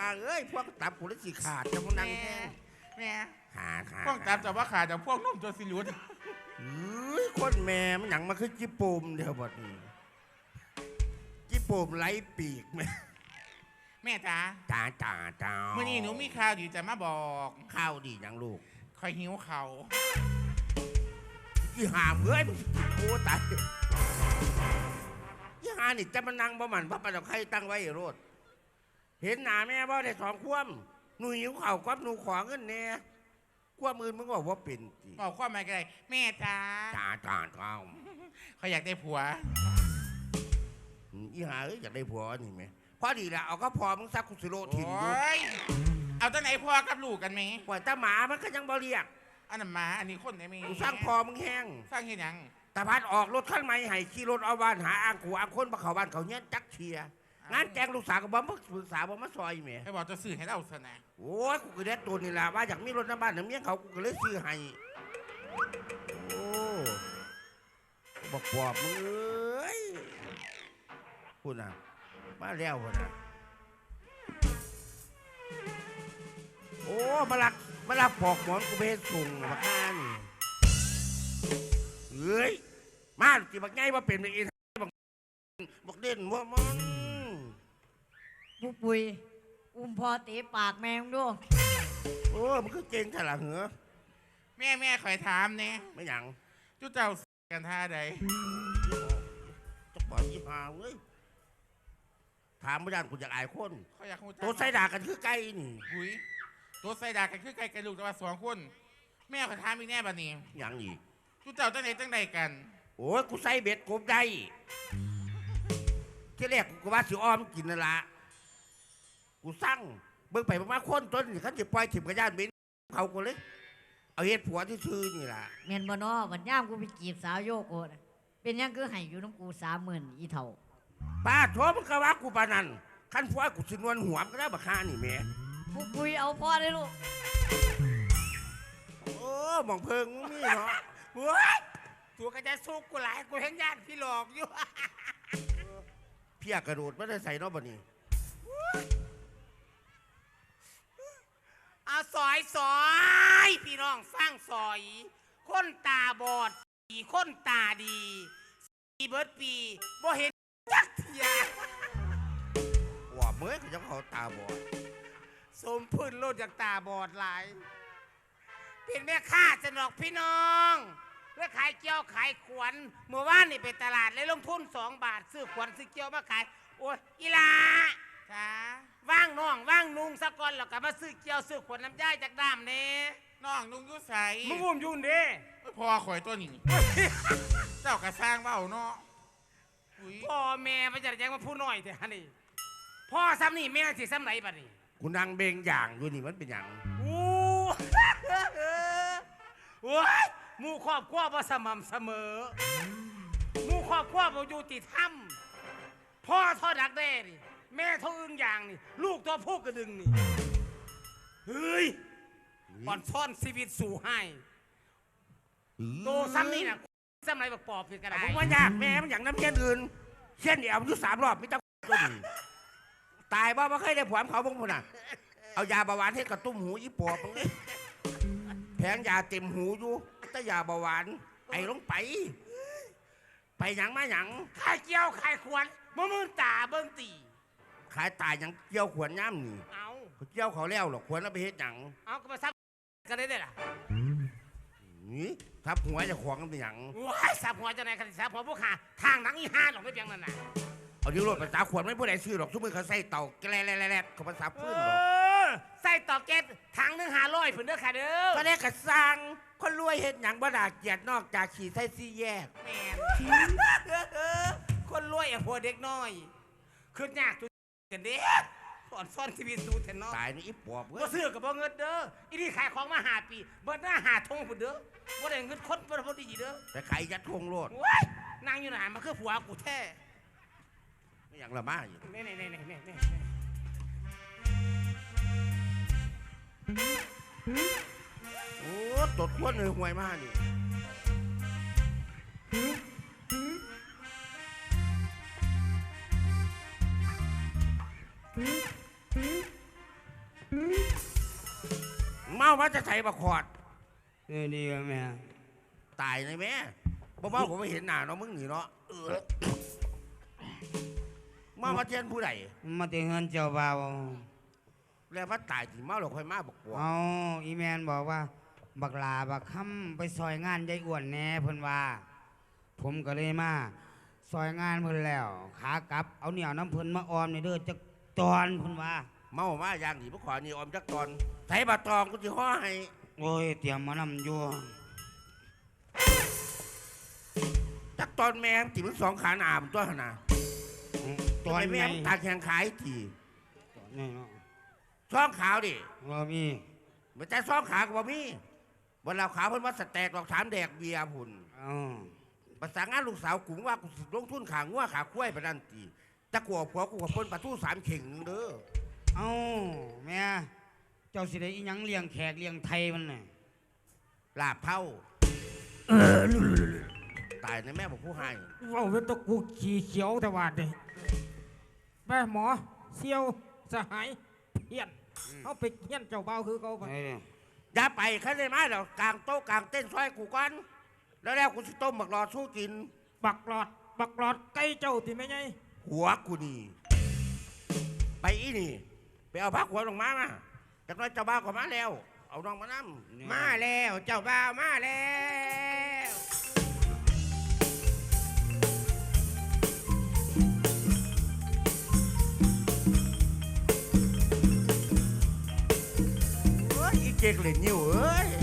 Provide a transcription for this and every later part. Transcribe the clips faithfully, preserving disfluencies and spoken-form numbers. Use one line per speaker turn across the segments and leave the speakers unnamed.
เอ้ยพวกตับกูเลยสิขาดจะมึงนั่งแห้ง
แม่
ขาดขาด
พวกตับจะว่าขาดแต่พวกนุ่มจนสิลุด
เฮ้ยคนแม่มันหยังมาคือจิปูมเดียวบดนี้จิปูมไร้ปีกแม่
แม่จ๋า
จ๋าจ๋าจ๋า
เมื่อนี้หนูมีข่าวดีจะมาบอก
ข้าวดีอย่างลูก
คอยหิวเขา
ยี่หามเอ้ยโอ้ตายยี่หานี่จะมานั่งบ่มันพระประดับใครตั้งไว้โรดเห็นหน้าแม่บ่ได้สองคว่ำหนูหิวเข่าคว่ำหนูขอเงินเนี่ยคว่ำมือมึงบอกว่าเป็นจี
บอกความหมายอะไรแม่จ๋า
จ๋าจ๋าจ๋า
เขาอยากได้ผัว
ยี่หาเอ้ยอยากได้ผัวนี่ไหมพอดีละเอาก็พอมึงซักคุสิโรถิ่นดู
เอาตั้งไหนพ่อกับลูกกันไหม
ปล่อยตาหมามันก็ยังบ่เรียก
อันนั้นหมาอันนี้คนไหนมี
กูสร้างพอมึงแห้ง
สร้างเห็นยัง
ตาพัดออกรถขั้นใหม่ให้ขี่รถเอาบ้านหาอ่างขู่อ่างคนมาเขาบ้านเขาเนี้ยจักเชียงานแจงลูกสาวกับบ่มาปรึกษาบ่มาซอยเมีย
ให้บอกจะซื้อให้เราสนะ
โอ้ยกูก็ได้ตัวนี่แหละว่าอยากมีรถน้ำบ้านน้ำเมียเขากูก็เลยซื้อให้โอ้บอกปอบมึงเอ้ยพูดนะมาแล้วพูดนะโอ้มาลักมาลักปอกหมอนกูไปส่งมาข้างเฮ้ยมาจีบักไงว่าเป็นอีบักบักเด่นว่ามัน
ปุปุยอุ้มพอตีปากแมงด้วย
โอ้มันก็เก่งขนาดเหรอ
แม่แม่คอยถามเนี่ย
ไม่หยัง
จุ๊เจ้ากันท่าใด
จะปล่อยยี่ห้าเว้ยถามไม่ได้กูอยากอายคนตัวไส้ด่ากันคือไก่นี่
หุยตัวไส้ด่ากันคือไก่กันลูกแต่ว่าสองคนแม่คอยถามอีกแน่บัดนี้
ยังอีก
จุ๊เจ้าตั้งไหนตั้งใดกัน
โอ้ยกูใส่เบ็ดกบได้ที่แรกกูว่าสิอ้อมกินนั่นละกูสั่งเบิ่งไปประมาณคนต้นนี่เขาจะปล่อยถิ่มกระยานเบ็ดเขากูเลยเอาเห็ดผัวที่ชื่อนี่ล่ะ
เมียนบนอวันย่ามกูไปจีบสาวโยโกะเป็นยังคือให้อยู่น้ำกูสามหมื่นอีเท่า
ป้าโถมึงก็ว่ากูปานันขั้นผัวกูสินวนหัวก็ได้บักฮานี่แม่
ปุปุยเอาพ่อได้ลูก
โอ้มองเพิงมึงนี่เนาะ
หัวตัวก็จะซุกกูหลายกูเห็นญาติพี่หลอกอยู่
เพี้ยกระโดดไม่ได้ใส่นอกบันนี้
เอาซอยซอยพี่น้องฟังซอยคนตาบอดสีคนตาดีสีเบิร์ดปีบ่เห็นจักเทีย
ว่าเมื่อเขาจะเขาตาบอด
สมพื้นโลดจากตาบอดหลายเป็นแม่ค้าสนอกพี่น้องเพื่อขายเกี๊ยวขายขวัญเมื่อวานนี่ไปตลาดเลยลงทุนสองบาทซื้อขวัญซื้อเกี๊ยวมาขายโอ้ยอีลาจ้าว่างน้องว่างนุ่งสักก่อนแล้วก็มาซื้อเกี๊ยวซื้อขวัญน้ำย่ายจากด้ามเนี่ยน้องนุ่งยุ่ใส่
มึงอุ้มยุ่นเด้
พอข่อยตัวนี้เจ้ากระซ้างเบ้าเนาะพ่อแม่ไปจัดแจงมาพูดหน่อยเถอะนี่พ่อซ้ำนี่แม่สิซ้ำไหนบัดนี้
กูนั่งเบงอย่างอยู่นี่มันเป็นอย่าง
อู้โอ้ยมู่ครอบครัวบ่สม่ำเสมอมู่ครอบครัวบ่อยู่ติดถ้ำพ่อทอดักแด้นี่แม่ทออึ้งอย่างนี่ลูกตัวพูกกระดึงนี่เฮ้ยก่อนซ่อนชีวิตสู่ให้โตซ้ำนี่น่ะซ้ำไรแบบปอบเป็นกระได
ผมว่ายากแม่มันอย่างน้ำเช่นอื่นเช่นเดียวอยู่สามรอบไม่ต้องก็ดีตายบ้าไม่เคยได้ผวมเขาบ้างคนน่ะเอายาเบาหวานให้กระตุ้มหูยี่ปอบมึงเลยแผงยาเต็มหูอยู่แต่ยาเบาหวานไอ้ลงไปไปหยังมาหยัง
ขายเกี๊ยวขายขวัญมือมือตาเบิ้งตี
ขายตายหยังเกี่ยวขวัญย่ำนี่
เอา
เกี่ยวเขาแล้วหรอกขวัญเอาไปเฮ็ดหยัง
เอาก็มาซับกันได้เลยล่ะ
นี่ทับหัวจะขวางกันเป็นหยัง
ว้ายซับหัวจะไหนกันซับหัวพวกขาทางหนังอีห้าหรอกไม่เพียงนั่นน่ะ
เอาดิ้วรถภาษาขวัญไม่ผู้ใดซื้อหรอกทุกมือเขาใส่เต่าแกล้แล่ๆเขาภาษาพื้นหรอก
ใส่ต่อเกตทางหนึ่งหาร้อยผืนเด้อค่ะเด้อ
ก็ได้กระซังคนรวยเห็นหยังบ่ด่าเกียดนอกจากขี่ไส้ซี่แยก
แม่คนรวยอ่ะพวกเด็กน้อยคือยากตัวกันเด้สอนซ่อนทีวีสูแทนน้อง
ตายนี่อีปอบ
ก็ซื้อกับบ่เงินเด้ออีนี่ขายของมาหาปีเบิดหน้าหาทงผืนเด้อบ่ได้เงินคนบ่ได้บ่ดีเด้อ
แต่ขายยัดทงโลด
นางอยู่ไหนมันคือผัวกูแท้
ไม่อย่างละมาอยู่
นี่นี่นี่นี่นี่
โอ้ตดพ้นเลยห่วยมากนี่มามาจะใส่บักขอด
เออดีแม่
ตายเลยแม่บ่เมาผมไม่เห็นหน้าเนาะมึงหนีเนาะเออมามาเทียนผู้ใด
มาถึงเงินเจ้าบ่าว
แล้วมาตายถึงเมาเราค่อยมาบอกว่า
เอาอีแมนบอกว่า บักลาบักคำไปซอยงานยายอ้วนแหน่เพิ่นว่า ผมก็เลยมาซอยงานเพิ่นแล้ว ขากลับเอาเหนียวน้ำเพิ่นมาออมในเด้อจักตอนเพิ่นว่า
เมามาอย่างนี้พวกขอนี่ออมจักตอนใส่บาตองกูจะห่อให้
โอ้ยเตรียมมานำอยู่
จักตอนแม่งติมันสองขาหนามตัวหนา
ตอน
แม่
แม่
งตาแข็งขายที
นี่เนาะ
ช่องขาวดิ
ว่ามี
ไม่ใช่ช่องขากับบ่มีวันเราขาวเพิ่นว่าสแตกดอกถามแดกเบียร์พุ่น
อ๋อ
ภาษางานลูกสาวกุงว่ากูสิลงทุนขางัวขาคุ้ยไปนั่นตีจะกลัวผัวกูกับเพิ่นปลาทูสามเข่งหนึงเด้อ
เอ้าแม่เจ้าสิได้อีหยังเลี้ยงแขกเลี้ยงไทยมันน่ะ
ลาบเท่าตายในแม่บอกผู้ให้
ว่าเป็นตะกูขี่เขียวแต่วาดเลยแม่หมอเซียวสหายเพี้ยนเขาไปเพี้ยนเจ้าเบาคือเขาไป
ไอ้นี่
อย่าไปเขาได้ไหมเรากลางโต๊ะกลางเต้นซอยกูก่อนแล้วแล้วกูสิต้มหมักรอสู้กิน
บักหลอด บักหลอดใกล้เจ้าที่ไม่ไง
หัวกูนี่ไปอีนี่ไปเอาพักหัวลงมามาจากนั้นเจ้าบ้าวก็มาแล้ว เอาน้องมานั่
มาแล้วเจ้าบ่าวมาแล้ว
เอ้ยอีเจ๊กเล่นนิ้วเอ้ย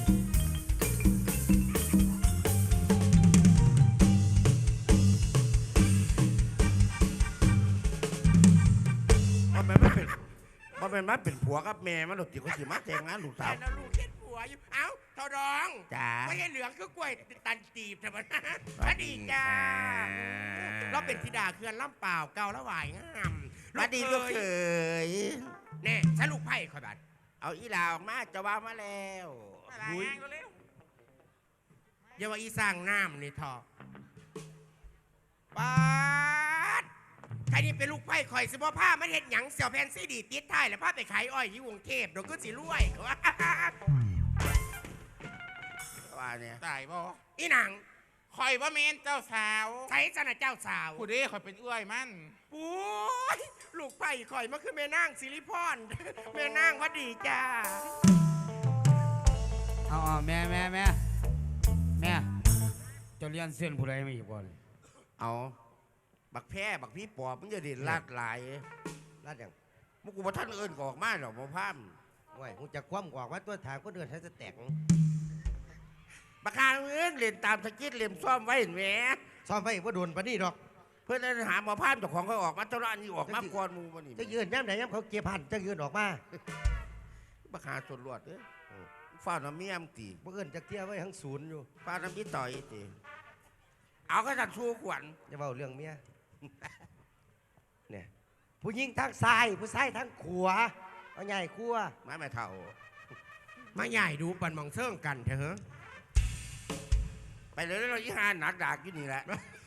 มันไม่เป็นมันเป็นมันเป็นผัวกับแม่มันหลุดติดก็สิมาแต่งงานลูกสาว
แล้วลูกเฮ็ดผัวอยู่ เอ้าเท่าดอง
จ๋า
ไม่ใช่เหลืองคือกล้วยตันตีบแต่มันพอดีจ้า เราเป็นธิดาเคือนล่ำเปล่าเก่าละหวายงาม
มาดีลูกเขย
แน่ฉันลูกไผ่คอยบัด
เอาอีลาออกมาเจะว่ามาแล้ว
หุยอย่าว่าอีสร้างน้ำนี่ทอะปาดใครนี่เป็นลูกไผ่คอยสิบ่ผ้ามันเห็ดหยังเสี่ยวแพนซีดีติดท้ายแล้วผ้าไปขายอ้อยที่กรุงเทพเดี๋ยวก็สิรวย
ว่าเนี่ย
ตายบ่อีหนังคอยว่าเมนเจ้าสาวใช้สนะเจ้าสาว
ผู้เด้คอยเป็นเอื้อยมัน
โอ้ยลูกไผ่คอยมาคือแม่นางสิริพร แม่นางว่าดีจ้า
เอาเอาแม่แม่แม่แม่เจะเลี้ยนเส้นผู้ใดไม่อีกบ่เลย
เอาบักแพ้บักพี่ปอบมันจะเด่นลาดหลาย
ลาดอย่าง
มุกูบ่ท่านเอิญก็ออกมาหรอกบ่พาม
ไว้กูจะคว่ำกว่าว่าตัวทางก็เดินให้จะแตก
บักคางเอิญเล่นตามสกิดเล่มซ่อมไว้เห็นไหม
ซ่อมไว้ว่าโดนปะนี่ดอก
เพื่อนหาหมอพามเจ้าของเขาออกมาเท่านั้นนี่ออกมาก่อนหมูมันนี่
จะยืนย่ำไหนย่ำเขาเก็บหันจะยืนออกมา
บักคาส่วนรวดเอ้ยฟ้าน้ำเมียมตี
เมื่อเอินจะเที่ยวไว้ทั้งศูนย์อยู่
ฟ้าน้ำพี่ต่อยตีเอาก็จัดสู้ขวัญ
จะเบาเรื่องเมีย เนี่ยผู้หญิงทางซ้ายผู้ชายทางขวาเอาใหญ่ขั้ว
มาแม่เท่า
มาใหญ่ดูปันมองเสื่องกันเถอะ
ไปเลยเราอีหาหนักดากอยู่นี่แหละ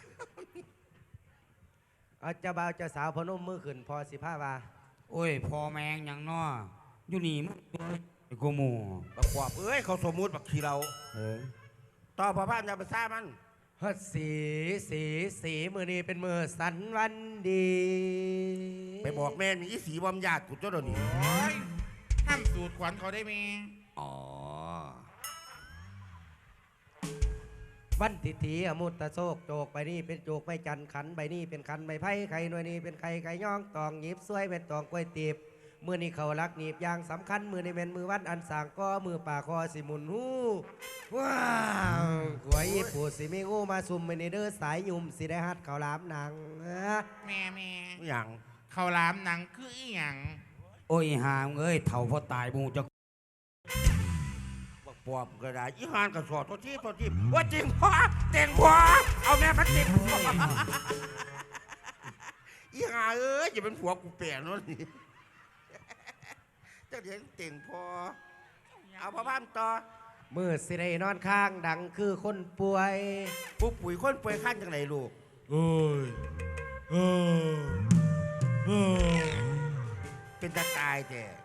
เอาเจ้าบ่าวเจ้าสาวพนมมือขึ้นพอสิผ้าวา
โอ้ยพอแมงหยังน้ออยู่นี่มึงไอ้กูหมู
บักขวบเอ้ยเขาสมมุติบักขี้เรา
เออ
ต่อพอพามจะไปซ่ามัน
ฮัดสีสีสีมือนี้เป็นมือสันวันดี
ไปบอกแม่มีอีสีบอมญาติกูเจ้าเดี๋ยวนี้
โอ้ยห้ามสูตรขวัญเขาได้ไหม
อ๋อ
วันทิถีอมุตตะโศกโจกใบนี้เป็นโจกใบจันทร์ขันใบนี้เป็นขันใบไผ่ไข่หน่วยนี้เป็นไข่ไก่ย่องตองหยิบสวยเป็นตองกล้วยตีบมือนี้เขารักหนีบอยางสำคัญมือนี้เป็นมือวันอันสางก็มือป่าคอสิหมุนหูว้าวขวยญี่ปุ่นสิมีงูมาซุ่มไปในเด้อสายยุ่มสิได้ฮัดเขาวหลามหนังฮะ
แม่แม่
อย่าง
ข้าวหลามหนังคืออีหยัง
โอ้ยหามเอ้ยเถ่าพอตายบูจะ
บักปอบก็ได้อีหานก็สอดตัวที่ตัวที่ว่าจริงพ่อเต็งพ่อเอาแม่พัดติดอีหาเอ้ยอย่าเป็นผัวกูเปลี่ยนนู่นนี่เจ้าเดี๋ยวเต็งพ่อเอาพ่อพามต่อ
มือสิได้นอนข้างดังคือคนป่วย
ปุ๊บปุ๋ยคนป่วยขั้นจังไรลูก
โอ้ยเออเออ
เป็นตาตายแต่